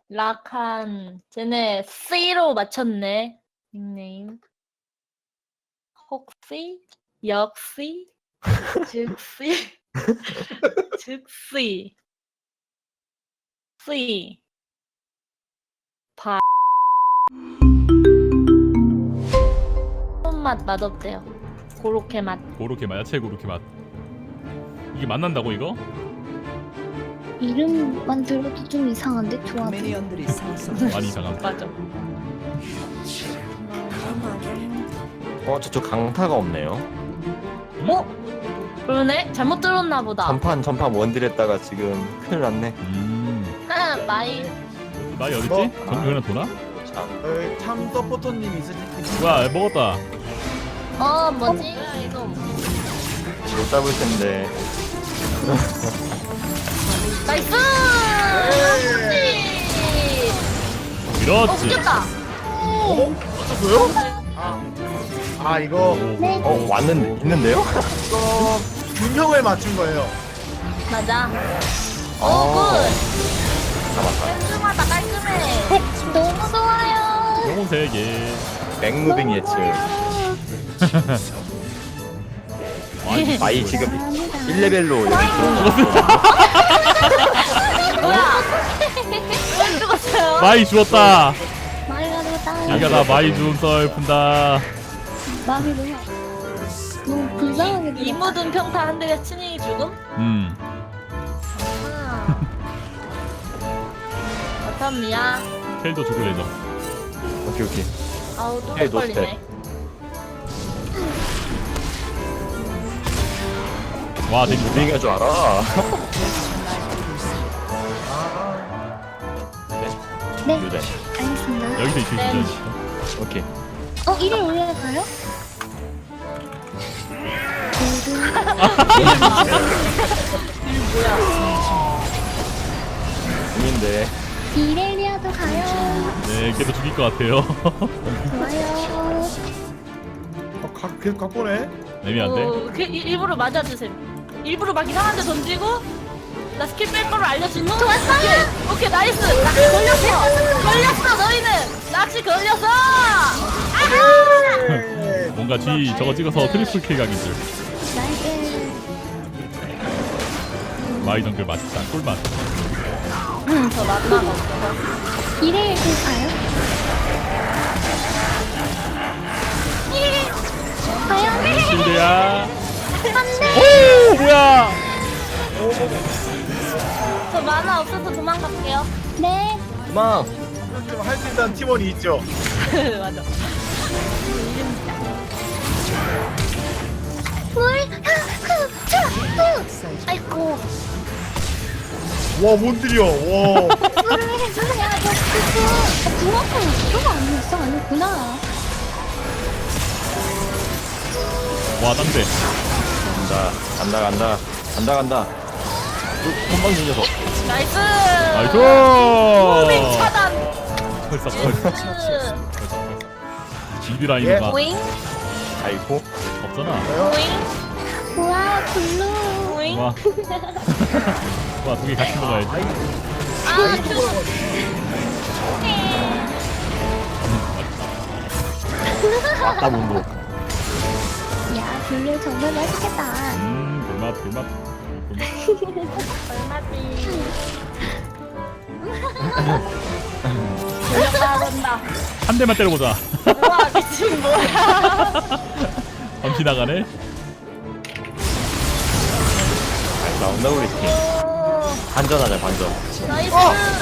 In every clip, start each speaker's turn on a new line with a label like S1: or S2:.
S1: 락한 쟤네 C로 맞췄네. 닉네임. 혹시 역시 즉시 즉시 C 바 손맛 맛없대요. 고로케 맛.
S2: 고로케 맛, 야채 고로케 맛. 이게 만난다고 이거?
S3: 이름만 들어도 좀 이상한데 조합이.
S4: 미니언들이 상승.
S2: 많이 이상함.
S1: 맞아.
S5: 저쪽 강타가 없네요.
S1: 그러네? 잘못 들었나 보다.
S5: 전판 원딜 했다가 지금 큰일 났네.
S1: 마이
S2: 나이 어딨지?
S6: 뭐?
S2: 정규 그냥 도나?
S6: 참 서포터님 있으실
S2: 뭐야 먹었다.
S1: 뭐지? 이거
S5: 못 잡을 텐데.
S1: 나이스!
S2: 그렇지.
S1: 웃겼다.
S6: 맞췄어요? 아 이거
S3: 네.
S5: 왔는데 있는데요?
S6: 이거 균형을 맞춘 거예요.
S1: 맞아.
S5: 어.
S1: 굿.
S5: 잡았다.
S1: 깔끔하다 깔끔해. 너무 좋아요.
S2: 영혼 3개.
S5: 맥무빙 예측. 마이 지금 1레벨로 여기
S1: 뭐야? 왜 죽었어요?
S2: 마이 죽었다.
S3: 마이가 되었다.
S2: 얘가 나 마이 죽은 썰 푼다.
S3: 마음이 너무 불쌍하게
S1: 이
S3: 들어.
S1: 묻은 평타 한 대가 친히 죽음? 바텀이야.
S2: 텔도 죽을 예정.
S5: 오케이.
S1: 아우 또
S5: 헤이,
S1: 걸리네.
S2: 와 되게
S5: 무빙 할줄 알아.
S3: 네,
S5: 유대.
S3: 알겠습니다.
S2: 여기서 있을
S1: 네.
S2: 수 있어.
S5: 오케이.
S3: 이를 올려가요?
S5: 중인데.
S3: 이렐리아도 가요.
S2: 네, 걔도 죽일 것 같아요.
S3: 좋아요.
S6: 계속 갖고네.
S2: 애매한데?
S1: 일부러 맞아주세요. 일부러 막 이상한 데 던지고 나 스킬 뺄 거를 알려준 놈?
S3: 좋았어!
S1: 오케이 나이스! 낚시 걸렸어! 걸렸어 너희는! 낚시 걸렸어! 아하!
S2: 뭔가 뒤 저거 찍어서 트리플 킬 각인 줄.
S3: 나이스.
S2: 마이 정글 맛있다. 꿀맛.
S1: 저 마지막 없어서
S3: 이렐 가요? 과연?
S2: 실드야.
S3: 안돼.
S2: 오 뭐야?
S1: 저 만화 없어서 도망갈게요.
S3: 네.
S5: 막
S6: 할 수 있다는 팀원이 있죠.
S1: 맞아.
S3: 물. 아이고.
S6: 와 몬드리어. 와.
S3: 야, 너 중학생 이거 아니었어? 아니구나.
S2: 와 땅대.
S5: 간다. 금방 진져서.
S1: 나이스!
S2: 나이스.
S1: 무빙 차단!
S2: 벌써. 지드라인
S6: 예.
S2: 가
S1: 오잉?
S5: 아이고.
S2: 없잖아.
S1: 오잉?
S3: 우와, 블루.
S1: 오잉?
S2: 와. 와, 두 개 같이 먹어야지.
S1: 아,
S5: 왔다 문도.
S3: 야, 블루 정말 맛있겠다.
S2: 불맛.
S1: 얼마지? 돌렸다 본다.
S2: 한 대만 때려보자.
S1: 우와, 미친 뭐야?
S2: 밤피 나가네.
S5: 나온다 우리 팀. 반전하자 반전.
S1: 나이스!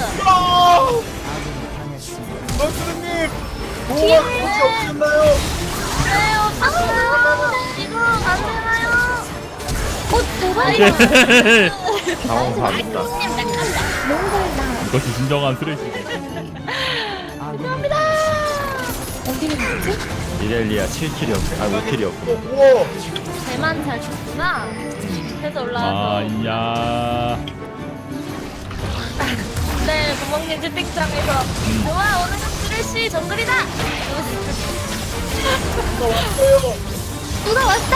S6: 선수님. 보호막 혹시 없으셨나요?
S1: 네, 없었어요. 지금 안 되나요?
S2: 오케이.
S5: 당황사합니다.
S3: 너무 달다.
S2: 이것이 진정한 쓰레기.
S3: 어디를 갔지?
S5: 이렐리아 7킬이었고, 5킬이었고.
S6: 우와.
S1: 배만 잘 쳤구나. 그래서 올라와서.
S2: 아야.
S1: 네, 구멍님 채팅창에서 좋아, 오늘은 쓰레쉬 정글이다!
S3: 누가 왔어?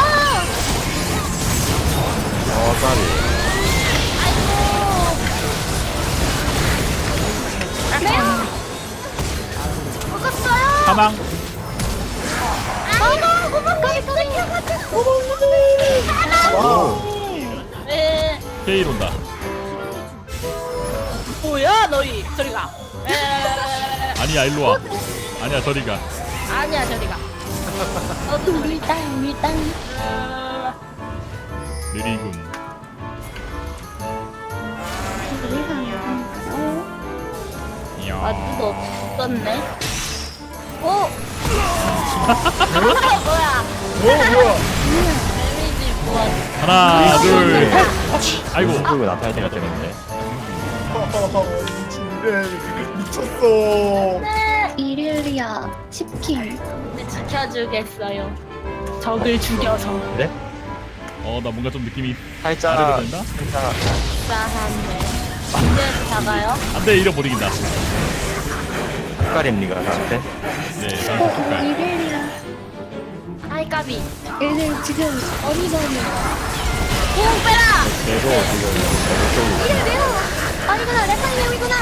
S5: 까비.
S1: 아이고!
S2: 사망.
S1: 에,
S2: 케일 온다.
S1: 뭐야 너희 저리 가. 에,
S2: 아니야 일로 와. 아니야 저리 가.
S1: 아니야 저리 가.
S3: 물땅.
S2: 느리군.
S3: 우리가 나가니까요.
S2: 이야.
S1: 아무도 없었네. 오. 뭐야?
S6: 뭐야?
S1: 데미지 뭐야?
S2: 하나 둘. 아이고.
S5: 그리고 나타날 때가 되는데.
S6: 미친 이래 미쳤어.
S3: 이렐리아 10킬.
S1: 네, 지켜주겠어요. 적을 죽여서
S5: 그래?
S2: 나 뭔가 좀 느낌이
S5: 살짝
S2: 아래로 된다.
S5: 살짝
S1: 싸한데. 문제를 잡아요.
S2: 안돼 이러 못 이긴다.
S5: 헷갈립니까 나한테?
S2: 네. 다음 색깔.
S3: 이렐리아.
S1: 아이 까비.
S3: 얘들 지금 어리버리.
S1: 공 빼라.
S5: 계속 지금
S3: 이래요. 아니구나, 레파이형이구나.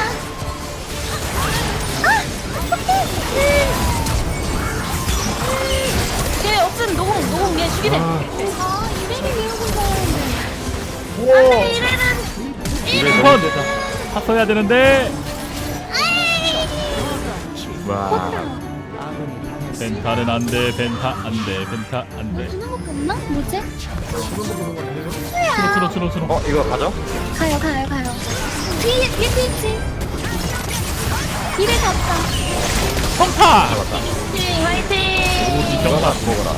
S1: 걔 없으면 노공 얘 죽이네.
S3: 아, 이렐리 외우고 있었는데.
S6: 우와.
S1: 이래는
S2: 번 탔어야 되는데.
S5: 와
S2: 벤타는 안돼. 벤타 안돼. 벤타 안돼.
S3: 주는 거 없나? 뭐지?
S2: 추노.
S5: 이거 가져?
S3: 가요. 뒤에 있지. 이래 갔다.
S2: 성타.
S1: 화이팅 화이팅.
S5: 이거나 먹어라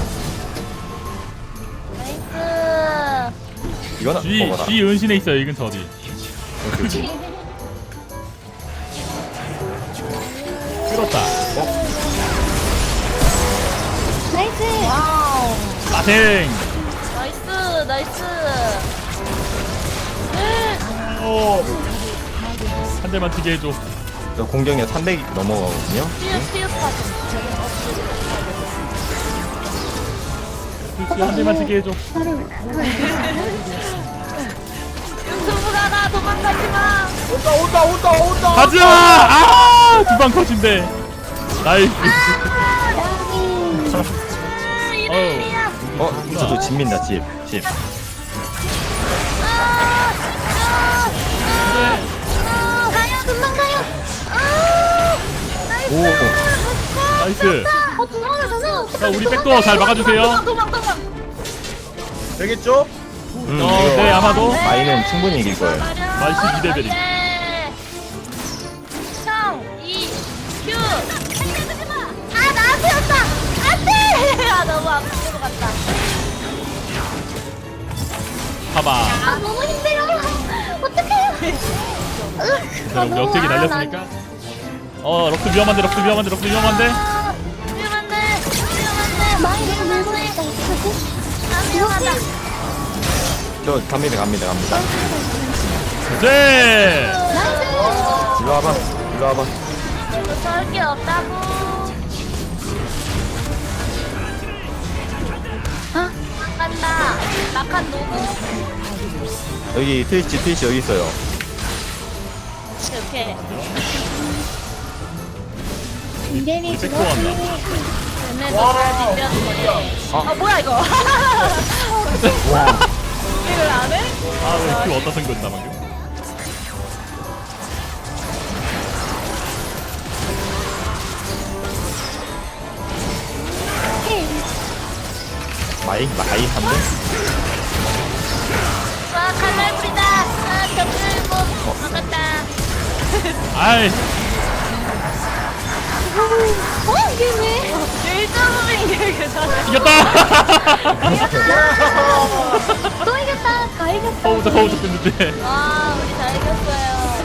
S1: 나이스.
S5: 이거나 먹어라
S2: G 은신에 있어요. 이 근처 어디? 끌었다.
S3: 나이스.
S1: 와우.
S2: 마생.
S1: 나이스.
S2: 한 대만 튀게 해줘.
S5: 저 공격력 300 넘어가거든요
S2: 그렇지 한 대만 튀게 해줘.
S1: 유튜브가 나 도망가지 마.
S6: 온다.
S2: 가자. 두방 컷인데. 나이스.
S1: 이래야.
S5: 저도 집민다 집
S1: 가요 금방 가요.
S5: 오
S2: 나이스.
S3: 도망가서.
S2: 자 우리 백도어 잘 막아주세요.
S1: 도망.
S6: 되겠죠?
S2: 네 아마도.
S5: 마이는 충분히 이길 거예요
S2: 마이씨 2레벨이.
S1: 형, 이, 큐. 아, 나한테였다. 안돼. 아, 너무 앞으로 갔다.
S2: 봐봐.
S3: 아, 너무 힘들어. 어떡해요?
S2: 자 우리 억제기 날렸으니까. 럭스 위험한데.
S1: 위험한데.
S3: 많이 밀고 있다. 어떡하지?
S1: 아, 위험하다.
S5: 저 갑니다
S2: 네.
S5: 일로 와봐
S1: 이거 썰게 없다고.
S3: 아,
S1: 간다. 낙한 노고.
S5: 여기 트위치 여기 있어요
S1: 오케이.
S3: 이렐리
S2: 백도 간다.
S1: 얘네도 잘 뒷면 거네. 뭐야 이거? 이걸 안 해?
S2: 아왜 어디다 생겼나 방금.
S5: 마이 한대
S1: 와 칼날불이다. 아 벽들고 막았다.
S2: 아이
S3: 이게 왜?
S1: 1점은 이게 괜찮아.
S2: 이겼다.
S3: 또 이겼다. 다 이겼다.
S2: 거우적 됐는데.
S1: 와 우리 다 이겼어요.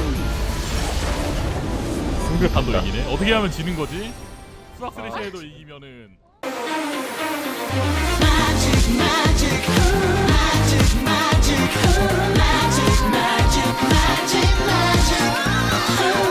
S2: 승급한도 이기네. 어떻게 하면 지는 거지? 수학 스레시에도 이기면은.
S4: magic.